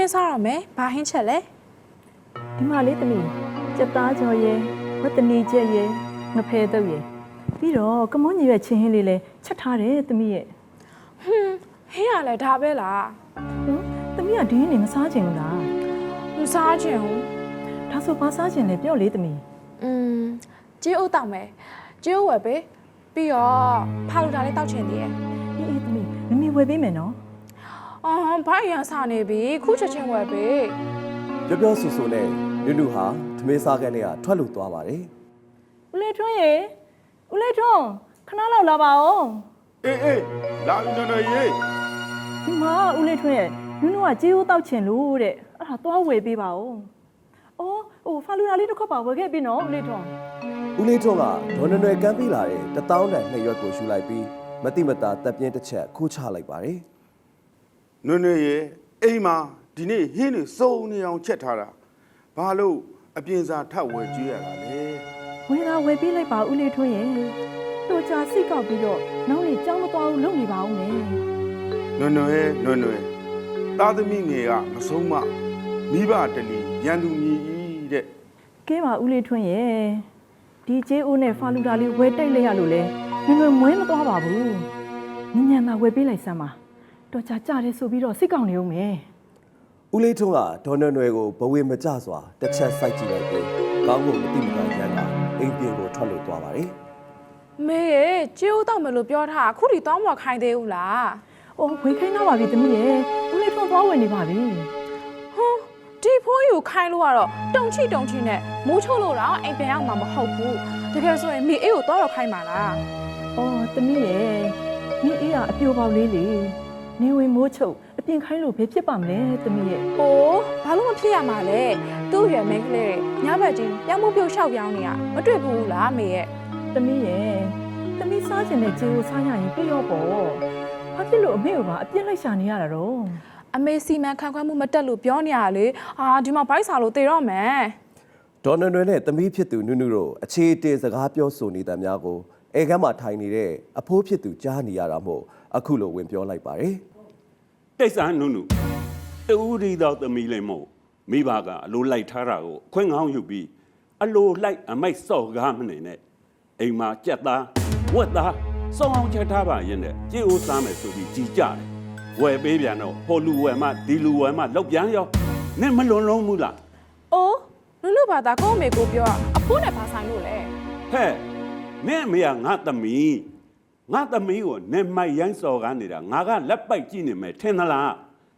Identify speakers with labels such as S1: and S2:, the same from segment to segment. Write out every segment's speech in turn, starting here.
S1: င်းစားရမယ်ဘာဟင်းချက်လဲ
S2: ဒီမှာလေးသမီးစက်သားကြော်ရဲဝတ်တနီကျက်ရဲငဖဲတုပ်ရဲပြီးတော့ကမွန်ကြီးရဲ့ချင်းဟင်းလေးလည်းချက်ထားတယ်သမီးရဲ့
S1: ဟင်းရလဲဒါပဲလား
S2: သမီးကဒီနေ့မစားချင်ဘူးလား
S1: မစားချင်ဘူး
S2: ဒါဆိုဘာစားချင်လဲပြောလေသမီး
S1: ကြေးအိုးတောက်မယ်ကြေးအိုးဝယ်ပေးပြီးတော့ဖာလူတာလေးတောက်ချင်သေးရဲ့
S2: အေးသမီးမမီဝယ်ပေးမယ်နော်
S1: ဘာအရင်စားနေပြီခုချက်ချင်းဝယ်ပေး
S3: ပြောပြောဆူဆူနဲ့နုနုဟာသမင်းစားခန်းထဲကထွက်လို့သွားပါတယ်
S2: ဦးလေးထွန်းရေဦးလေးထွန်းခဏလောက်လာပါဦး
S4: အေးလာပြီနော်ရေ
S2: ဒီမှာဦးလေးထွန်းရဲ့နုနုကကြေးဦးတောက်ချင်လို့တဲ့အဲ့ဒါသွားဝယ်ပေးပါဦးအော်ဟိုဖာလူတာလေးတစ်ခွက်ပါဝယ်ခဲ့ပြီနော်ဦးလေးထွန်း
S3: ဦးလေးထွန်းကဒေါ်နွယ်နွယ်ကမ်းပေးလာတဲ့1000တန်2ရွက်ကိုယူလိုက်ပြီးမတိမတာတပ်ပြင်းတစ်ချက်ခိုးချလိုက်ပါတယ်
S4: နွေရေအိမ်မှာဒီနေ့ဟင်းတွေစုံနေအောင်ချက်ထားတာဘာလို့အပြင်စာထပ်ဝယ်ကြည့်ရတာလဲ
S2: ဝယ်လာဝယ်ပေးလိုက်ပါဦးလေးထွန်းရဲ့တော်ကြာစိတ်ကောက်ပြီးတော့နောက်နေ့ကြောင်းမသွားဘူးလုပ်နေပါဦးမယ်
S4: နွေသားသမီးငယ်ကမဆုံးမမိဘတလီရန်သူမြည်ကြီးတဲ့
S2: ကဲပါဦးလေးထွန်းရဲ့ဒီကျေးဦးနဲ့ဖာလူတာလေးဝယ်တိုက်လိုက်ရလို့လဲငွေမွေးမသွားပါဘူးညံသာဝယ်ပေးလိုက်စမ်းပါတော်ကြာကြတယ်ဆိုပြီးတော့စိတ်ကောက်နေဦးမယ်
S3: ဦးလေးထွန်းကဒေါ်နွယ်နွယ်ကိုဘဝေမကြစွာတစ်ချက်စိုက်ကြည့်လိုက်ပြီးကောင်းကိုမတိမတာရန်ကအိမ်ပြင်ကိုထွက်လို့သွားပါတယ်
S1: မေရဲ့ကြေးအိုးတောက်မယ်လို့ပြောထားအခုထိတောင်းမခိုင်းသေးဘူးလား
S2: ။အော်ဝေခိုင်းတော့ပါပြီသမီးရဲ့ဦးလေးထွန်းသွားဝင်နေပါပြီ
S1: ဒီဖိုးယူခိုင်းလို့ကတော့တုံချိနဲ့မိုးချိုးလို့တော့အိမ်ပြန်ရောက်မှာမဟုတ်ဘူးတကယ်ဆိုရင်မိအေးကိုတော့ခိုင်းပါလား
S2: ။အော်သမီးရဲ့မိအေးကအပြိုပေါက်လေးလေနေဝင်မိုးချုပ်အပြင်ခိုင်းလို့ဘယ်ဖြစ်ပါမလဲသမီးရဲ့
S1: ။အိုးဘာလို့မဖြစ်ရမှာလဲသူ့ရွယ်မင်းကလေးညဘက်ချင်းပြောင်းမှုပြုတ်လျှောက်ပြောင်းနေရမတွေ့ဘူးလားမေရဲ့
S2: သမီးရဲ့သမီးစားချင်တဲ့ခြေကိုစားရရင်ပြရောပေါ့။ဘာဖြစ်လို့အမေကပါအပြစ်လိုက်ရှာနေရတာတော့
S1: အမေစီမံခန့်ခွဲမှုမတက်လို့ပြောနေရလေဒီမှာဘိုက်စာလို့တေတော့မယ်
S3: ဒေါ်နွယ်နွယ်နဲ့သမီးဖြစ်သူနုနုတို့အခြေအတင်စကားပြောဆိုနေတဲ့များကိုအဲကမ်းမှာထိုင်နေတဲ့အဖိုးဖြစ်သူကြားနေရတာမို့အခုလိုဝင်ပြောလိုက်ပါတယ်
S5: တိတ်ဆန်နုနုတူရီတော့သမီးလေးမို့မိဘကအလိုလိုက်ထားတာကိုခွင့်ကောင်းယူပြီးအလိုလိုက်အမိုက်စော့ကားမနေနဲ့အိမ်မှာကြက်သားဝက်သားစောင်းအောင်ချက်ထားပါရင်နဲ့ကြေးအိုးစားမယ်ဆိုပြီးကြည်ကြတယ်ဝယ်ပေးပြန်တော့ဟိုလူဝယ်မှဒီလူဝယ်မှလောက်ပြန်ရောနင့်မလွန်လုံးဘူးလား
S1: ။အိုးလူဘာသာကိုအမေကိုပြောအဖိုးနဲ့ဘာဆိုင်လို့လဲ
S5: ဟဲ့နင့်အမေကငါသမီးကိုနင့်မိုက်ရိုင်းစော်ကားနေတာငါကလက်ပိုက်ကြည့်နေမယ်ထင်သလား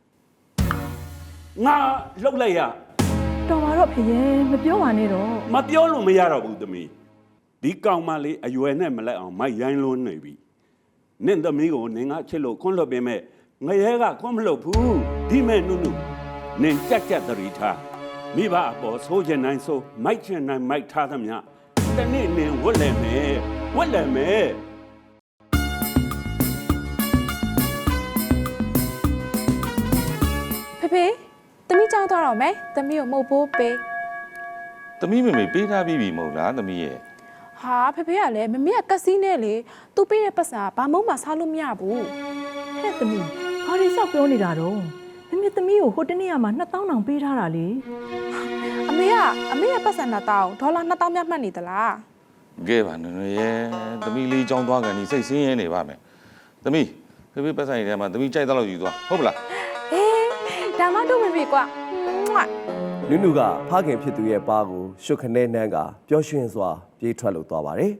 S5: ငါလောက်လိုက်ရ
S2: ။တော်ပါတော့ဖေရဲ့မပြောပါနဲ့တော့
S5: မပြောလို့မရတော့ဘူးသမီးဒီကောင်မလေးအရွယ်နဲ့မလိုက်အောင်မိုက်ရိုင်းလွန်းနေပြီနင့်သမီးကိုနင်ကချစ်လို့ခွန်းလွတ်ပေးမဲ့ငရဲကခွန်းမလွတ်ဘူးဒီမဲ့နုနုနင်ကြက်တရီထားမိဘအပေါ်ဆိုးချင်နိုင်ဆိုမိုက်ချင်နိုင်မိုက်ထားသမျှတနေ့နင်ဝတ်လဲမယ်
S1: ။ဖေသမီးကြောင်းသွားတော့မယ်။သမီးကိုမှုတ်ဖို့ပေး
S6: သမီးမေမေပေးထားပြီးပြီမဟုတ်လားသမီးရဲ့
S1: ။ဟာဖေကလည်းမမေကကက်စီနဲ့လေသူပေးတဲ့ပတ်စံဘာမှမစားလို့မရဘူး
S2: ဟဲ့သမီးဘာတွေလျှောက်ပြောနေတာတော့မမေသမီးကိုဟိုတနေ့ကမှ2000တောင်ပေးထားတာလေ
S1: ။အမေရဲ့ပတ်စံ2000ဒေါ်လာ2000မြတ်မှတ်နေသလား
S6: ကဲပါနွေရဲ့သမီးလေးကြောင်းသွားကန်ဒီစိတ်ဆင်းရဲနေပါမယ်သမီးဖေဖေပတ်ဆိုင်ထဲမှာသမီးကြိုက်တော့လို့ယူသွားဟုတ်ပလား
S1: ။အေးဒါမှတော့မေကွာ။မွတ်
S3: နုနုကဖခင်ဖြစ်သူရဲ့ပါကိုရှုပ်ခနဲနှမ်းကပျော်ရွှင်စွာပြေးထွက်လို့သွားပါတယ်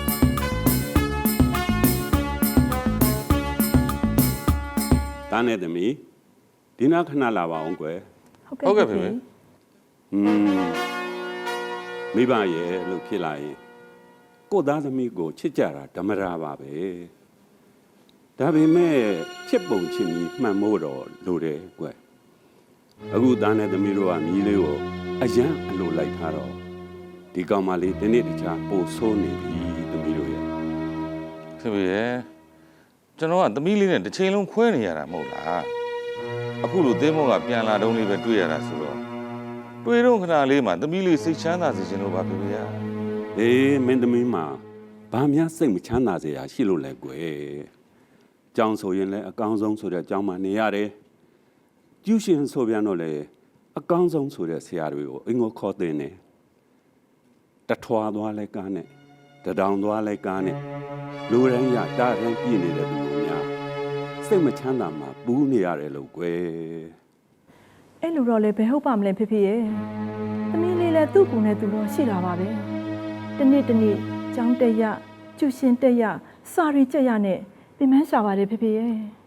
S5: တားနဲ့သမီးဒီနာခဏလာပါအောင်ကွယ်
S6: ဟုတ်ကဲ့ဖေဖေ
S5: မိဘရဲ့လို့ဖြစ်လာရင်ကိုသားသမီးကိုချစ်ကြတာဓမ္မရာပါပဲဒါပေမဲ့ချစ်ပုံချစ်ပြီးမှန်မို့တော့လိုတယ်ကွယ်အခုသားနဲ့သမီးတို့ကမြည်လေးကိုအယံအလိုလိုက်ထားတော့ဒီကောင်မလေးဒီနေ့တခြားပို့ဆိုးနေပြီသမီးတို့ရဲ့
S6: ဖေဖေရဲ့ကျွန်တော်ကသမီးလေးနဲ့တစ်ချိန်လုံးခွဲနေရတာမဟုတ်လားအခုလိုသင်းမောကပြန်လာတုန်းလေးပဲတွေ့ရတာဆိုတော့တွေ့တော့ခဏလေးမှာသမီးလေးစိတ်ချမ်းသာစေချင်လို့ပါဖေဖေရဲ့
S5: အေးမင်းသမီးမှာဘာများစိတ်မချမ်းသာစရာရှိလို့လဲကွယ်ကြောင်ဆိုရင်လည်းအကောင်းဆုံးဆိုတဲ့အကြောင်းမှနေရတယ်ကျူးရှင်ဆိုပြန်တော့လေအကောင်းဆုံးဆိုတဲ့ဆရာတွေကိုအင်္ဂုခေါ်တင်တယ်တထွာသွားလဲကားနဲ့တဒေါင်သွားလဲကားနဲ့လူရန်ရတာရန်ပြည့်နေတဲ့သူတို့များစိတ်မချမ်းသာမှပူးနေရတယ်လို့ကွယ်
S2: အဲ့လိုတော့လည်းဘယ်ဟုတ်ပါမလဲဖေဖေရဲ့သမီးလေးလည်းသူ့ကိုယ်နဲ့သူတော့ရှိတာပါပဲတနေ့ကျောင်းတက်ရကျူရှင်တက်ရစာရီကြက်ရနဲ့ပြင်ပန်းရှာပါတယ်ဖေဖေရဲ့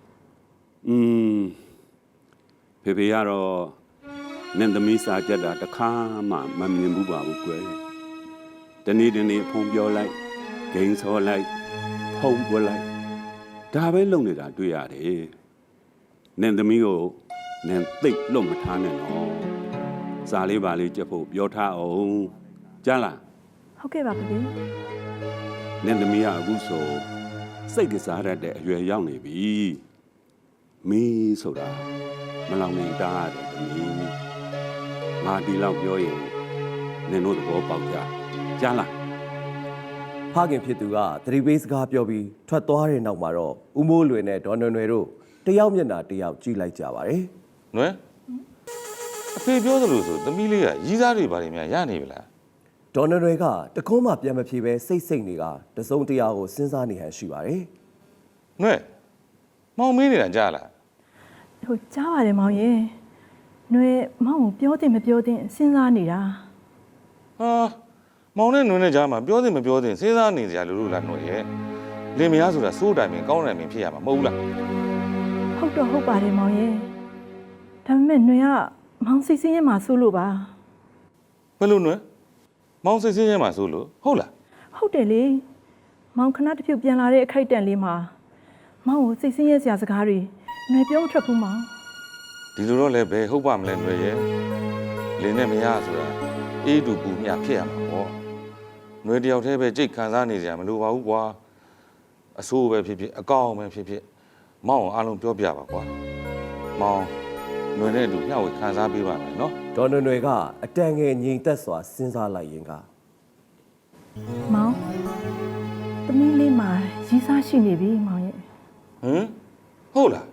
S5: ဖေဖေကတော့နင်သမီးစာကြက်တာတစ်ခါမှမမြင်ဘူးပါဘူးကွယ်တနေ့ဖုံပြောလိုက်ဂိမ်းဆော်လိုက်ဖုံပွက်လိုက်ဒါပဲလုပ်နေတာတွေ့ရတယ်နင်သမီးကိုနင်သိပ်လွတ်မထားနဲ့နော်စာလေးပါလေးကြက်ဖို့ပြောထားအောင်ကြားလား
S2: ဟုတ်ကဲ့ပါဖေဖေ
S5: နင်သမီးကအခုဆိုစိတ်ကစားရတဲ့အရွယ်ရောက်နေပြီမင်းဆိုတာမလောင်နေတားတယ်သမီးငါဒီလောက်ပြောရင်နင်တို့သဘောပေါက်ကြကြားလား
S3: ဖခင်ဖြစ်သူကသတိပေးစကားပြောပြီးထွက်သွားတဲ့နောက်မှာတော့ဦးမိုးလွင်နဲ့ဒေါ်နွယ်နွယ်တို့တယောက်မျက်နှာတယောက်ကြည့်လိုက်ကြပါတယ်
S6: နွယ်အဖေပြောသလိုဆိုသမီးလေးကရီးစားတွေဘာတွေများရနေပြီလား
S3: ဒေါ်နွယ်နွယ်ကတကုံးမှပြန်မဖြေပဲစိတ်နေကတစုံတရာကိုစဉ်းစားနေဟန်ရှိပါတယ်
S6: နွယ်မောင်မင်းနေတာကြားလား
S2: ဟိုကြားပါတယ်မောင်ရဲ့ຫນွေမောင်ကိုပြောတင်မပြောတင်စဉ်းစားနေတာ
S6: ဟာမောင်နဲ့နွယ်နဲ့ကြားမှာပြောတင်မပြောတင်စဉ်းစားနေကြလို့လားနွယ်ရဲ့လင်မယားဆိုတာစိုးတိုင်ပင်ကောင်းတိုင်ပင်ဖြစ်ရမှာမဟုတ်ဘူးလား
S2: ဟုတ်တော့ဟုတ်ပါတယ်မောင်ရဲ့ဒါပေမဲ့ຫນွေကမောင်စိတ်ဆင်းရဲမှာစိုးလို့ပါ
S6: ဘယ်လိုနွယ်မောင်စိတ်ဆင်းရဲမှာစိုးလို့ဟုတ်လား
S2: ဟုတ်တယ်လေမောင်ခဏတစ်ဖြုတ်ပြန်လာတဲ့အခိုက်အတန့်လေးမှာမောင်ကိုစိတ်ဆင်းရဲစရာစကားတွေຫນွေပြောမထွက်ဘူးမောင်
S6: ဒီလိုတော့လည်းဘယ်ဟုတ်ပါမလဲနွယ်ရဲ့လင်နဲ့မယားဆိုတာအေးတူပူမြဖြစ်ရမှာပေါ့နွယ်တယောက်တည်းပဲကြိတ်ခံစားနေကြမလို့ပါဘူးကွာအဆိုးပဲဖြစ်ဖြစ်အကောင်းပဲဖြစ်ဖြစ်မောင်အားလုံးပြောပြပါကွာမောင်နွယ်နဲ့အတူမျှဝေခံစားပေးပါမယ်နော်
S3: ဒေါ်နွယ်နွယ်ကအတန်ငယ်ငြိမ်သက်စွာစဉ်းစားလိုက်ရင်က
S2: မောင်သမီးလေးမှာရီးစားရှိနေပြီမောင်ရဲ့
S6: ဟမ်ဟုတ်လား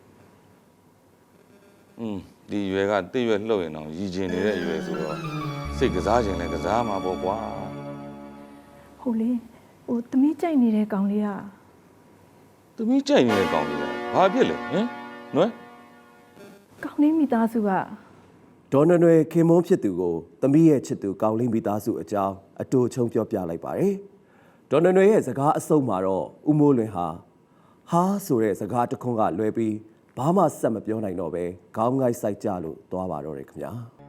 S6: ဒီရွယ်ကတိတ်ရွယ်လှုပ်ရင်တော့ရည်ကျင်နေတဲ့ရွယ်ဆိုတော့စိတ်ကစားခြင်းလည်းကစားမှာပေါ့ကွာ
S2: ဟုတ်လေဟိုသမီးကြိုက်နေတဲ့ကောင်လေးက
S6: သမီးကြိုက်နေတဲ့ကောင်လေးကဘာဖြစ်လဲဟမ်နွယ်
S2: ကောင်လေးမိသားစုက
S3: ဒေါ်နွယ်နွယ်ခင်မုန်းဖြစ်သူကိုသမီးရဲ့ချစ်သူကောင်းလေးမိသားစုအကြောင်းအတူချုံပြောပြလိုက်ပါတယ်ဒေါ်နွယ်နွယ်ရဲ့စကားအဆုံးမှာတော့ဦးမိုးလွင်ဟာဆိုတဲ့စကားတစ်ခွန်းကလွဲပြီးဘာမှဆက်မပြောနိုင်တော့ပဲခေါင်းငိုက်ဆိုင်ကြလို့သွားပါတော့တယ်ခင်ဗျာ